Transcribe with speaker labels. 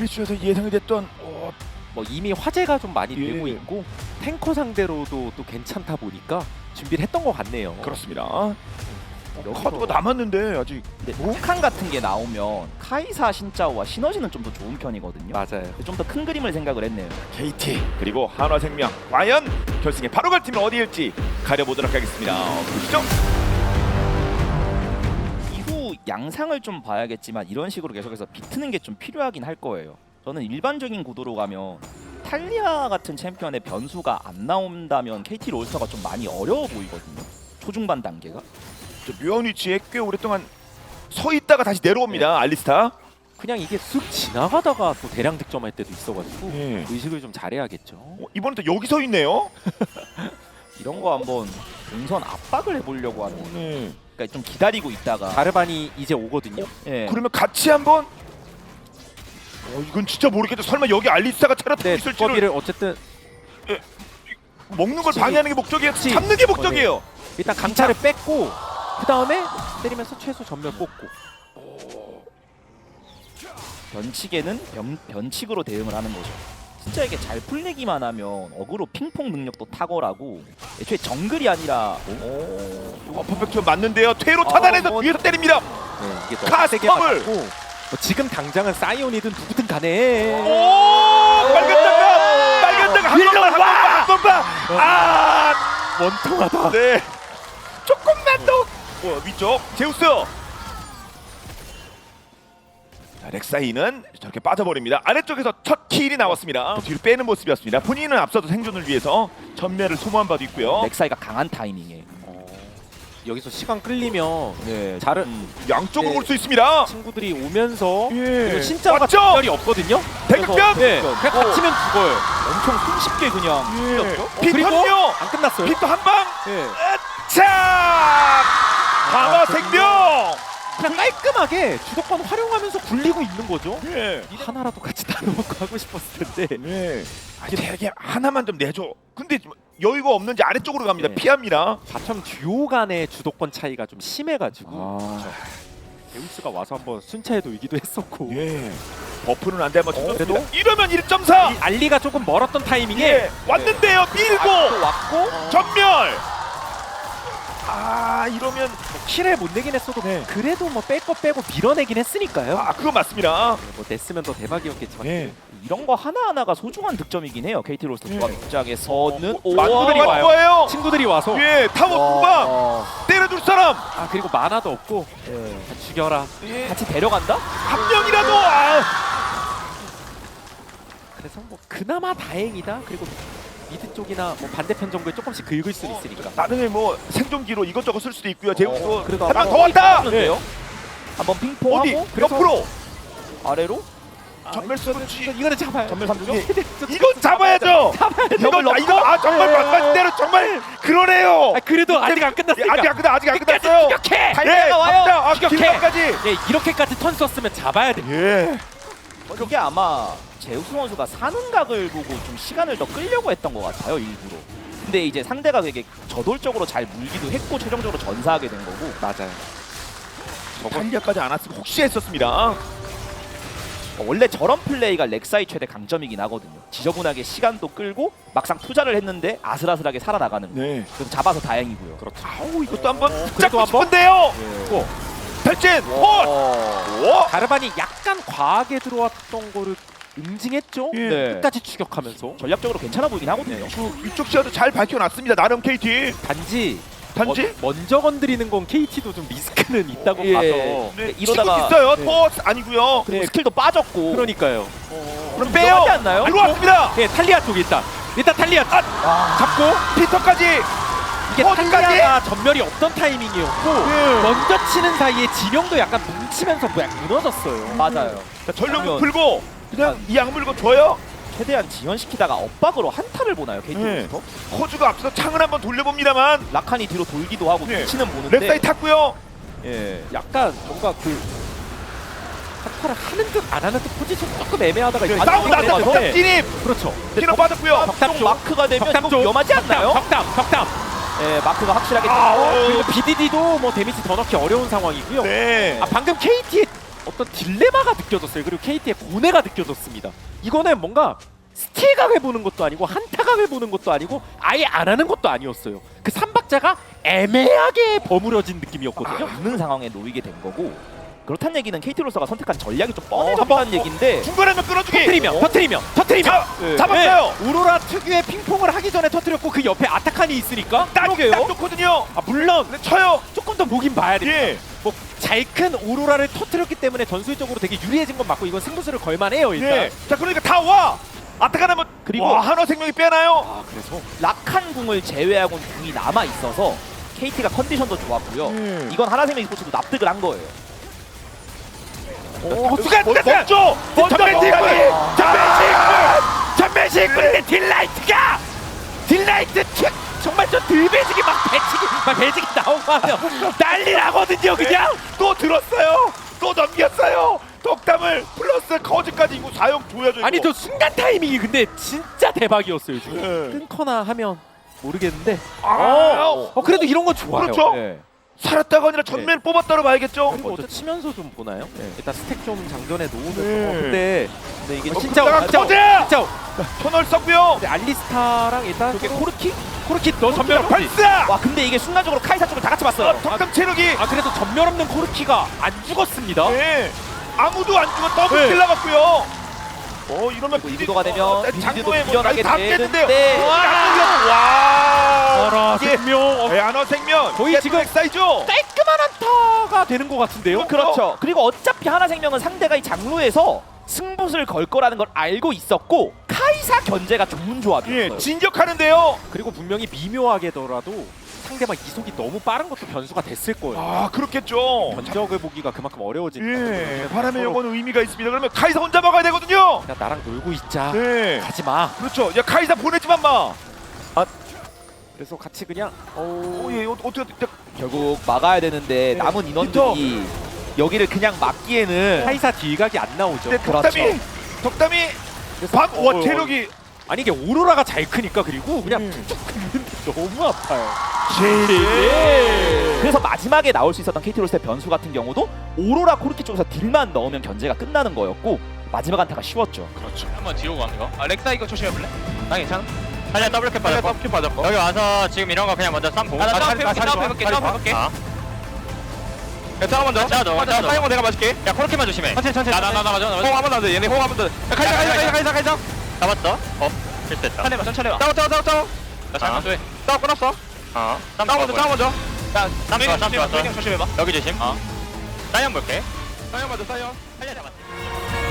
Speaker 1: 캐주에서 예상이 됐던
Speaker 2: 뭐 이미 화제가 좀 많이
Speaker 1: 예.
Speaker 2: 되고 있고 탱커 상대로도 또 괜찮다 보니까 준비를 했던 것 같네요.
Speaker 1: 그렇습니다.
Speaker 2: 여기서-
Speaker 1: 카드가 남았는데 아직
Speaker 3: 근데 북한 같은 게 나오면 카이사 신짜오와 시너지는 좀 더 좋은 편이거든요.
Speaker 2: 맞아요.
Speaker 3: 좀 더 큰 그림을 생각을 했네요.
Speaker 1: KT 그리고 한화생명 과연 결승에 바로 갈 팀이 어디일지 가려보도록 하겠습니다. 보시죠.
Speaker 3: 이후 양상을 좀 봐야겠지만 이런 식으로 계속해서 비트는 게 좀 필요하긴 할 거예요. 저는 일반적인 구도로 가면 탈리아 같은 챔피언의 변수가 안 나온다면 KT 롤스터가 좀 많이 어려워 보이거든요. 초중반 단계가.
Speaker 1: 저 묘한 위치에 꽤 오랫동안 서 있다가 다시 내려옵니다. 알리스타.
Speaker 2: 그냥 이게 쑥 지나가다가 또 대량 득점할 때도 있어가지고
Speaker 1: 예.
Speaker 2: 의식을 좀 잘해야겠죠.
Speaker 1: 이번엔 또 여기 서 있네요.
Speaker 3: 이런 거 한번 동선 압박을 해보려고 하는 거예요.
Speaker 1: 네.
Speaker 3: 그러니까 좀 기다리고 있다가
Speaker 2: 자르반이 이제 오거든요.
Speaker 3: 예.
Speaker 1: 그러면 같이 한번. 이건 진짜 모르겠다. 설마 여기 알리스타가 차렸다
Speaker 2: 네,
Speaker 1: 있을지를
Speaker 2: 두꺼비를 어쨌든
Speaker 1: 먹는 걸
Speaker 2: 그치.
Speaker 1: 방해하는 게 목적이에요.
Speaker 2: 그치.
Speaker 1: 잡는 게 목적이에요.
Speaker 2: 일단 강차를 뺐고 그 다음에 때리면서 최소 전멸 뽑고.
Speaker 3: 변칙에는 변칙으로 대응을 하는 거죠. 진짜 이게 잘 풀리기만 하면 어그로 핑퐁 능력도 탁월하고 애초에 정글이 아니라
Speaker 1: 퍼펙트 맞는데요. 퇴로 차단해서 뒤에서 때립니다.
Speaker 2: 네, 이게 더
Speaker 1: 카스텀을!
Speaker 2: 세게 맞고 뭐 지금 당장은 사이온이든 누구든 간에
Speaker 1: 오! 빨간 장갑 한 번만 아!
Speaker 2: 원통하다.
Speaker 1: 네. 조금만 더. 위쪽 제우스. 자, 렉사이는 저렇게 빠져버립니다. 아래쪽에서 첫 킬이 나왔습니다. 뒤로 빼는 모습이었습니다. 본인은 앞서도 생존을 위해서 전멸을 소모한 바도 있고요.
Speaker 3: 렉사이가 강한 타이밍에
Speaker 2: 여기서 시간 끌리면
Speaker 3: 네,
Speaker 2: 자르
Speaker 1: 양쪽으로
Speaker 2: 네.
Speaker 1: 올 수 있습니다.
Speaker 2: 친구들이 오면서
Speaker 1: 예.
Speaker 2: 그리고 신짜오가
Speaker 1: 왔죠?
Speaker 2: 특별히 없거든요.
Speaker 1: 대극변.
Speaker 2: 네, 그냥 다치면 죽어요.
Speaker 3: 엄청 손쉽게 그냥
Speaker 1: 예.
Speaker 3: 풀렸죠.
Speaker 2: 그리고
Speaker 1: 피터요.
Speaker 2: 안 끝났어요.
Speaker 1: 피터 한 방.
Speaker 2: 네.
Speaker 1: 자! 강화 생명.
Speaker 2: 그냥 깔끔하게 주도권 활용하면서 굴리고 있는 거죠.
Speaker 1: 예.
Speaker 2: 하나라도 같이 나눠먹고 하고 싶었을 텐데.
Speaker 1: 네. 아니 되게 하나만 좀 내줘. 근데 여유가 없는지 아래쪽으로 갑니다.
Speaker 2: 네.
Speaker 1: 피합니다.
Speaker 2: 바텀 듀오 간의 주도권 차이가 좀 심해가지고
Speaker 1: 아.
Speaker 2: 데우스가 와서 한번 순차에 놓이기도 했었고
Speaker 1: 예. 버프는 안 되면
Speaker 2: 그래도?
Speaker 1: 이러면 1.4.
Speaker 2: 이 알리가 조금 멀었던 타이밍에
Speaker 1: 예. 왔는데요. 밀고
Speaker 3: 또 왔고
Speaker 1: 전멸. 아 이러면
Speaker 2: 킬을 못 내긴 했어도
Speaker 1: 네.
Speaker 2: 그래도 뭐 뺄 거 빼고 밀어내긴 했으니까요.
Speaker 1: 그거 맞습니다.
Speaker 2: 뭐 냈으면 더 대박이었겠지만
Speaker 1: 예.
Speaker 3: 이런 거 하나하나가 소중한 득점이긴 해요. KT 롤스터 조합 입장에서는
Speaker 2: 친구들이
Speaker 1: 맞는
Speaker 2: 와요.
Speaker 1: 거예요.
Speaker 2: 친구들이 와서
Speaker 1: 예. 타워 구방 때려줄 사람
Speaker 2: 아 그리고 만화도 없고 다 죽여라.
Speaker 1: 예.
Speaker 3: 같이 데려간다?
Speaker 1: 한 명이라도
Speaker 2: 그래서 뭐 그나마 다행이다. 그리고 미드 쪽이나 뭐 반대편 정도에 조금씩 긁을 수 있으니까.
Speaker 1: 나중에 뭐 생존기로 이것저것 쓸 수도 있고요. 제우스도
Speaker 2: 그래도
Speaker 1: 한 명 더
Speaker 3: 어,
Speaker 1: 왔다.
Speaker 3: 네. 한번 핑퐁하고
Speaker 1: 어디
Speaker 3: 그래서
Speaker 1: 옆으로
Speaker 3: 아래로
Speaker 1: 전멸 쏘는지
Speaker 2: 이거는 잡아요.
Speaker 3: 전멸 3중.
Speaker 1: 이건 잡아야죠. 이거 정말 말씀하신 대로 정말 그러네요.
Speaker 2: 아 그래도 아직 안 끝났으니까.
Speaker 1: 아직 안 끝났어요.
Speaker 2: 추격해.
Speaker 3: 달려가 와요.
Speaker 2: 추격해.
Speaker 1: 길까지.
Speaker 2: 예, 이렇게까지 턴 썼으면 잡아야 돼.
Speaker 1: 예.
Speaker 3: 그게 아마 제우스 선수가 사는 각을 보고 좀 시간을 더 끌려고 했던 것 같아요, 일부러. 근데 이제 상대가 되게 저돌적으로 잘 물기도 했고 최종적으로 전사하게 된 거고.
Speaker 2: 맞아요.
Speaker 1: 탄력까지 안 왔으면 혹시 했었습니다.
Speaker 3: 원래 저런 플레이가 렉사이 최대 강점이긴 하거든요. 지저분하게 시간도 끌고 막상 투자를 했는데 아슬아슬하게 살아나가는 거.
Speaker 1: 네.
Speaker 3: 그래서 잡아서 다행이고요.
Speaker 2: 그렇죠.
Speaker 1: 아우 이것도 한번
Speaker 2: 그래도
Speaker 1: 잡고
Speaker 2: 한번?
Speaker 1: 싶은데요.
Speaker 2: 또
Speaker 1: 탈진. 홀.
Speaker 2: 가르반이 약간 과하게 들어왔던 거를 응징했죠.
Speaker 1: 예.
Speaker 3: 네.
Speaker 2: 끝까지 추격하면서.
Speaker 3: 전략적으로 괜찮아 보이긴 하거든요.
Speaker 1: 이쪽 시야도 잘 밝혀놨습니다. 나름 KT.
Speaker 2: 단지
Speaker 1: 단지.
Speaker 2: 먼저 건드리는 건 KT도 좀 리스크는 있다고
Speaker 3: 예.
Speaker 2: 봐서.
Speaker 1: 네,
Speaker 3: 이러다가-
Speaker 1: 있어요.
Speaker 2: 네.
Speaker 1: 아니고요.
Speaker 3: 그리고 스킬도 빠졌고.
Speaker 2: 그러니까요.
Speaker 1: 그럼 빼요.
Speaker 3: 하지 않나요?
Speaker 1: 들어왔습니다.
Speaker 2: 예, 탈리아 쪽이 일단 탈리아 잡고
Speaker 1: 피터까지.
Speaker 2: 이게
Speaker 1: 어디까지?
Speaker 2: 탈리아가 전멸이 없던 타이밍이었고
Speaker 1: 예.
Speaker 2: 먼저 치는 사이에 진영도 약간 뭉치면서 뭐 약간 무너졌어요.
Speaker 3: 맞아요.
Speaker 1: 자, 전력을
Speaker 3: 그러면-
Speaker 1: 풀고 그냥 이 악물고 줘요.
Speaker 3: 최대한 지연시키다가 엇박으로 한타를 보나요, KT
Speaker 1: 네.
Speaker 3: 롤스터?
Speaker 1: 호주가 앞서 창을 한번 돌려봅니다만
Speaker 3: 라칸이 뒤로 돌기도 하고
Speaker 1: 네.
Speaker 3: 치는 보는데
Speaker 1: 랩사이 탔고요.
Speaker 3: 예.
Speaker 2: 약간 뭔가 그 한타를 하는 듯 안 하는 듯 포지션 조금 애매하다가
Speaker 1: 네,
Speaker 2: 이제
Speaker 1: 싸우고
Speaker 2: 완전히
Speaker 1: 나서 벽
Speaker 2: 네.
Speaker 1: 진입.
Speaker 2: 그렇죠.
Speaker 1: 피너 빠졌고요.
Speaker 2: 벽담
Speaker 3: 좀
Speaker 2: 쪽.
Speaker 3: 마크가 되면
Speaker 2: 벽담
Speaker 3: 좀
Speaker 2: 쪽.
Speaker 3: 위험하지 않나요?
Speaker 2: 벽담.
Speaker 3: 예, 마크가 확실하게
Speaker 1: 아우.
Speaker 3: 떴고
Speaker 2: 그리고 BDD도 뭐 데미지 더 넣기 어려운 상황이고요.
Speaker 1: 네.
Speaker 2: 아 방금 KT의 어떤 딜레마가 느껴졌어요. 그리고 KT의 고뇌가 느껴졌습니다. 이거는 뭔가 스틸각을 보는 것도 아니고 한타각을 보는 것도 아니고 아예 안 하는 것도 아니었어요. 그 삼박자가 애매하게 버무려진 느낌이었거든요.
Speaker 3: 없는 상황에 놓이게 된 거고 그렇다는 얘기는 KT로서가 선택한 전략이 좀 뻔해졌다는 얘기인데
Speaker 1: 중간에만 끌어주기.
Speaker 2: 터트리면
Speaker 1: 잡았어요.
Speaker 2: 네. 우로라 특유의 핑퐁을 하기 전에 터트렸고 그 옆에 아타칸이 있으니까
Speaker 1: 딱 좋거든요.
Speaker 2: 물론
Speaker 1: 근데 쳐요.
Speaker 2: 조금 더 보긴 봐야 됩니다.
Speaker 1: 예.
Speaker 2: 뭐 잘 큰 오로라를 터트렸기 때문에 전술적으로 되게 유리해진 건 맞고 이건 승부수를 걸만해요 일단.
Speaker 1: 예. 자 그러니까 다 와. 아타카나면
Speaker 3: 그리고
Speaker 1: 와, 한화생명이 빼나요?
Speaker 2: 아 그래서
Speaker 3: 락한 궁을 제외하고는 궁이 남아 있어서 KT가 컨디션도 좋았고요. 이건 하나생명 스포츠도 납득을 한 거예요.
Speaker 1: 수가 먼저
Speaker 2: 전매식 그런데 딜라이트 킥 정말 저 들배지기 막 배지기 나오고 하면 난리 나거든요 그냥.
Speaker 1: 또 들었어요. 또 넘겼어요. 덕담을 플러스 거지까지 이거 사용 줘야죠.
Speaker 2: 아니
Speaker 1: 이거.
Speaker 2: 저 순간 타이밍이 근데 진짜 대박이었어요 지금.
Speaker 1: 네.
Speaker 2: 끊거나 하면 모르겠는데
Speaker 1: 아,
Speaker 2: 그래도 이런 거 좋아요.
Speaker 1: 그렇죠.
Speaker 2: 네.
Speaker 1: 살았다가 아니라 전면 뽑았다로 봐야겠죠.
Speaker 2: 그리고 먼저 치면서 좀 보나요?
Speaker 3: 네.
Speaker 2: 일단 스택 좀 장전에 놓으면서
Speaker 1: 네.
Speaker 2: 근데 이게
Speaker 1: 진짜
Speaker 2: 진짜
Speaker 1: 거제 터널 썼고요.
Speaker 2: 근데 알리스타랑 일단
Speaker 3: 저게
Speaker 2: 서로 코르키 너 전멸 없지?
Speaker 1: 발사.
Speaker 3: 와 근데 이게 순간적으로 카이사 쪽을 다 같이 봤어요.
Speaker 1: 덕담 체력이.
Speaker 2: 아 그래도 전멸 없는 코르키가 안 죽었습니다.
Speaker 1: 네. 아무도 안 죽어 더블
Speaker 2: 네.
Speaker 1: 킬 나갔고요. 이러면
Speaker 3: 그리고 이도가 되면
Speaker 1: 장고에
Speaker 3: 빌드도
Speaker 1: 뭐
Speaker 3: 비련하게
Speaker 1: 다 깼는데요.
Speaker 3: 되는데
Speaker 1: 와. 이게
Speaker 2: 생명
Speaker 1: 한화생명
Speaker 2: 거의 지금
Speaker 1: 사이죠.
Speaker 2: 깔끔한 한타가 되는 것 같은데요?
Speaker 3: 그렇죠. 그리고 어차피 하나생명은 상대가 이 장루에서 승부를 걸 거라는 걸 알고 있었고 카이사 견제가 좋은 조합이었어요.
Speaker 1: 예, 진격하는데요.
Speaker 2: 그리고 분명히 미묘하게더라도 상대방 이속이 너무 빠른 것도 변수가 됐을 거예요.
Speaker 1: 아 그렇겠죠.
Speaker 2: 견적을 보기가 그만큼 어려워지니까.
Speaker 1: 예, 바람의 영혼은 의미가 있습니다. 그러면 카이사 혼자 막아야 되거든요.
Speaker 2: 그냥 나랑 놀고 있자.
Speaker 1: 네,
Speaker 2: 가지 마.
Speaker 1: 그렇죠. 야 카이사 보내지만 마.
Speaker 2: 그래서 같이 그냥
Speaker 1: 예, 어떻게
Speaker 3: 결국 막아야 되는데
Speaker 1: 네.
Speaker 3: 남은 인원들이 여기를 그냥 막기에는
Speaker 2: 카이사 딜각이 안 나오죠.
Speaker 1: 근데 덕담이
Speaker 2: 그래서
Speaker 1: 와 체력이
Speaker 2: 아니 이게 오로라가 잘 크니까 그리고 그냥
Speaker 1: 음.
Speaker 2: 툭툭 긁는데 너무 아파요.
Speaker 3: 그래서 마지막에 나올 수 있었던 KT로스의 변수 같은 경우도 오로라 코르키 쪽에서 딜만 넣으면 견제가 끝나는 거였고 마지막 한타가 쉬웠죠.
Speaker 1: 그렇죠.
Speaker 4: 한번 뒤로 가는 거. 아 렉사 이거 조심해볼래? 나 괜찮아? 살려 더블캡 받았고. 더블캡 받았고. 여기 와서 지금 이런 거 그냥 먼저 쌈 보고. 나 점프해볼게. 점프해볼게. 야 짜오 먼저. 짜오 내가 맞을게. 야 코르키만 조심해. 천천히. 나 맞아. 호응 한번 더 돼. 얘네 호응 한번 더. 가이사. 잡았어. 실수했다. 천천히 와. 짜오. 나 잘못 돼. 짜오 끊었어. 짜오 먼저. 쌈 조심해봐. 여기 조심. 사이언 볼게. 사이언 맞아. 사이언. 살려 잡았어.